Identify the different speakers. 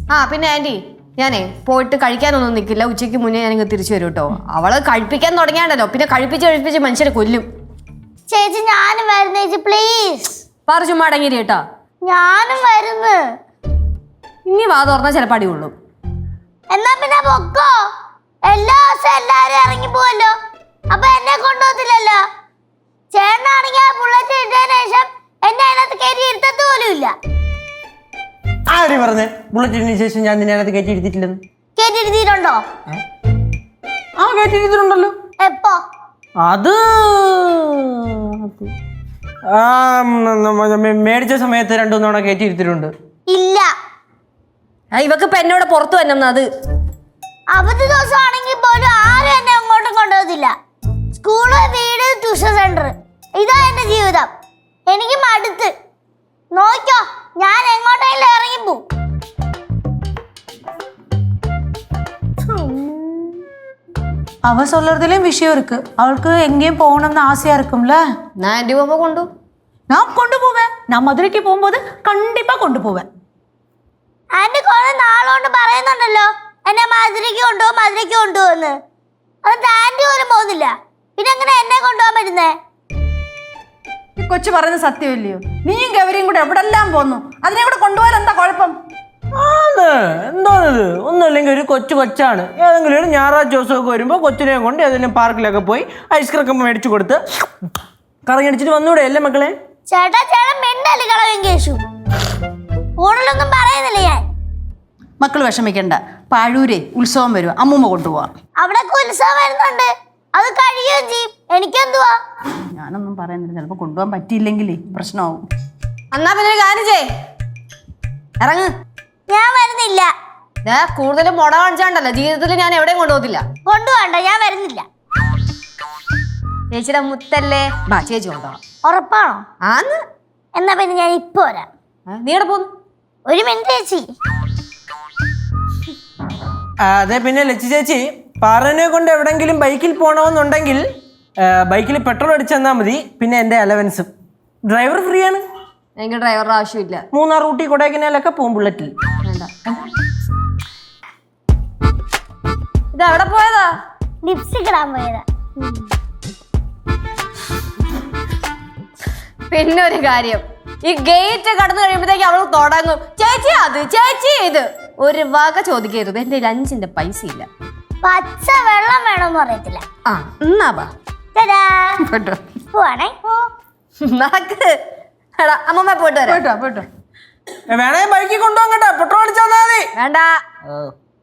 Speaker 1: ആ പിന്നെ ആന്റി ഞാനേ പോയിട്ട് കഴിക്കാനൊന്നും നിൽക്കില്ല. ഉച്ചയ്ക്ക് മുന്നേ ഞാനിങ്ങ് തിരിച്ചു വരും കേട്ടോ. അവള് കഴിപ്പിക്കാൻ തുടങ്ങിയാണ്ടല്ലോ പിന്നെ കഴിപ്പിച്ച് മനുഷ്യരെ കൊല്ലും.
Speaker 2: ചേച്ചി ഞാനും വരുന്ന ചേച്ചി പ്ലീസ്.
Speaker 1: പറ ചുമ്മാ അടങ്ങിരി കേട്ടാ.
Speaker 2: ഞാനും വരുന്നു.
Speaker 1: ഇനി വാ തുറന്നാ ചിലപ്പോൾ അടി കൊള്ളും.
Speaker 2: എന്നാ പിന്നെ പൊക്കോ. എല്ലാ ദിവസവും എല്ലാരും ഇറങ്ങി പോവല്ലോ, അപ്പൊ എന്നെ കൊണ്ടുപോകത്തില്ലല്ലോ. ചേട്ടനാണെങ്കിൽ ആ ബുള്ളറ്റ് ഇട്ടതിന് ശേഷം എന്നെ അതിനകത്ത് കയറ്റി ഇരുത്തത് പോലും ഇല്ല.
Speaker 3: ആര് പറഞ്ഞേ ബുള്ളറ്റിന് ശേഷം ഞാൻ നിന്നെ അതിനകത്ത് കയറ്റി ഇരുത്തിയിട്ടില്ലെന്ന്?
Speaker 2: കയറ്റി ഇരുത്തിയിട്ടുണ്ടോ?
Speaker 3: ആ കയറ്റി ഇരുത്തിട്ടുണ്ടല്ലോ.
Speaker 2: എപ്പോ?
Speaker 3: അത് മേടിച്ച സമയത്ത് 2-3 തവണ കയറ്റി ഇരുത്തിട്ടുണ്ട്.
Speaker 2: ഇല്ല.
Speaker 1: ഇവക്ക് ഇപ്പൊ എന്നോട് പുറത്തു വരണം. അത്
Speaker 2: അവധി ദിവസം ആണെങ്കിൽ പോലും ആരും എന്നെ അങ്ങോട്ടും കൊണ്ടുപോകത്തില്ല. സ്കൂള്, വീട്, ട്യൂഷൻ സെന്റർ, ഇതാ എന്റെ ജീവിതം. എനിക്ക് മടുത്ത്. നോക്കോ, ഞാൻ എങ്ങോട്ടെങ്കിലും ഇറങ്ങിപ്പോ.
Speaker 4: அவ சொல்றதுலயும் விஷயம் இருக்கு. அவளுக்கு எங்கேயும் போகணும்னு ஆசையா இருக்கும்ல.
Speaker 1: ഞാൻ ആന്റി പോകുമ്പോ കൊണ്ടു.
Speaker 4: நான் கொண்டு போவேன். நான் மதுரைக்கு போகும்போது கண்டிப்பா கொண்டு போவேன்.
Speaker 2: ആന്റി കുറെ നാളുകൊണ്ട് പറയുന്നുണ്ടല്ലോ എന്നെ മധുരയ്ക്ക് കൊണ്ടുപോകുന്ന്. അത് ആന്റി പോലും പോകുന്നില്ല. പിന്നെ എങ്ങനെ എന്നെ കൊണ്ടുപോകാൻ പറ്റുന്നേ?
Speaker 5: ഈ കൊച്ചു പറയുന്നത് സത്യമല്ലയോ? നീയും ഗൗരിയും കൂടെ എവിടെല്ലാം പോന്നു. അതിനെ കൂടെ കൊണ്ടുപോകാൻ എന്താ കുഴപ്പം?
Speaker 3: എന്തോന്നത്? ഒന്നുമില്ലെങ്കിൽ ഒരു കൊച്ചാണ്. ഏതെങ്കിലും ഒരു ഞായറാഴ്ച ദിവസമൊക്കെ വരുമ്പോൾ കൊച്ചിനെ കൊണ്ട് ഏതെങ്കിലും പാർക്കിലൊക്കെ പോയി ഐസ്ക്രീം ഒക്കെ മേടിച്ചു കൊടുത്ത് കറങ്ങി അടിച്ചിട്ട് വന്നൂടെ അല്ലേ മക്കളെ?
Speaker 2: ചേട്ടാ മിണ്ടല്ലേ കളവൻ കേശു. കൂടുതലൊന്നും പറയുന്നില്ല ഞാൻ.
Speaker 5: മക്കൾ വിഷമിക്കണ്ട. പാഴൂരെ ഉത്സവം വരും, അമ്മൂമ്മ കൊണ്ടുപോവാം.
Speaker 2: അവിടെ ഉത്സവം വരുന്നുണ്ട്, അത് കഴിയുകയും ചെയ്യും. എനിക്കെന്തുവാ?
Speaker 5: ഞാനൊന്നും പറയുന്നില്ല. ചിലപ്പോൾ കൊണ്ടുപോകാൻ പറ്റിയില്ലെങ്കിലേ പ്രശ്നമാവും.
Speaker 1: എന്നാ പിന്നെ ഒരു കാര്യം ചെയ്, ഇറങ്ങ്.
Speaker 2: ഞാൻ വരുന്നില്ല.
Speaker 1: കൂടുതലും മുട കാണിച്ചാണ്ടല്ലോ ജീവിതത്തിൽ ഞാൻ എവിടെയും കൊണ്ടുപോകത്തില്ല.
Speaker 2: കൊണ്ടുപോകണ്ട, ഞാൻ വരുന്നില്ല.
Speaker 1: ചേച്ചിയുടെ മുത്തല്ലേ, ബാ ചേച്ചി കൊണ്ടുപോകാം.
Speaker 2: ഉറപ്പാണോ?
Speaker 1: ആന്ന്.
Speaker 2: എന്നാ പിന്നെ ഞാൻ ഇപ്പൊ വരാം.
Speaker 1: നീ എവിടെ പോന്നു?
Speaker 2: ഒരു മിനിറ്റ് ചേച്ചി.
Speaker 3: അതെ, പിന്നെ ലച്ചി ചേച്ചി പാറനെ കൊണ്ട് എവിടെങ്കിലും ബൈക്കിൽ പോകണമെന്നുണ്ടെങ്കിൽ ബൈക്കിൽ പെട്രോൾ അടിച്ചു തന്നാൽ മതി. പിന്നെ എൻ്റെ അലവൻസും. ഡ്രൈവർ ഫ്രീ ആണ്.
Speaker 1: എനിക്ക് ഡ്രൈവറുടെ ആവശ്യമില്ല.
Speaker 3: മൂന്നാർ, ഊട്ടി, കൊടൈക്കനാലൊക്കെ പോകും ബുള്ളറ്റിൽ.
Speaker 1: വേണ്ട. ഇത് എവിടെ പോയതാ?
Speaker 2: ലിപ്സ്റ്റിക് ഇടാൻ പോയതാ.
Speaker 1: പിന്നെ ഒരു കാര്യം, ഈ ഗേറ്റ് കടന്നു കഴിയുമ്പോഴത്തേക്ക് അവൾ തുടങ്ങും ചേച്ചി അത് ചേച്ചി ഇത്. ഒരു വക ചോദിക്കരുത്. എന്റെ 5 പൈസ ഇല്ല.
Speaker 2: പച്ച വെള്ളം വേണമെന്ന് പറയത്തില്ല.
Speaker 1: ആ എന്നാ ബാ.
Speaker 2: പോവാണേ.
Speaker 1: നടക്ക്. എടാ അമ്മമ്മ പോയിട്ട് വരാം.
Speaker 5: പോയിട്ടോ.
Speaker 3: വേണേ ബൈക്കിൽ കൊണ്ടുപോകാൻ കേട്ടോ, പെട്രോൾ അടിച്ചാൽ മതി.
Speaker 1: വേണ്ട.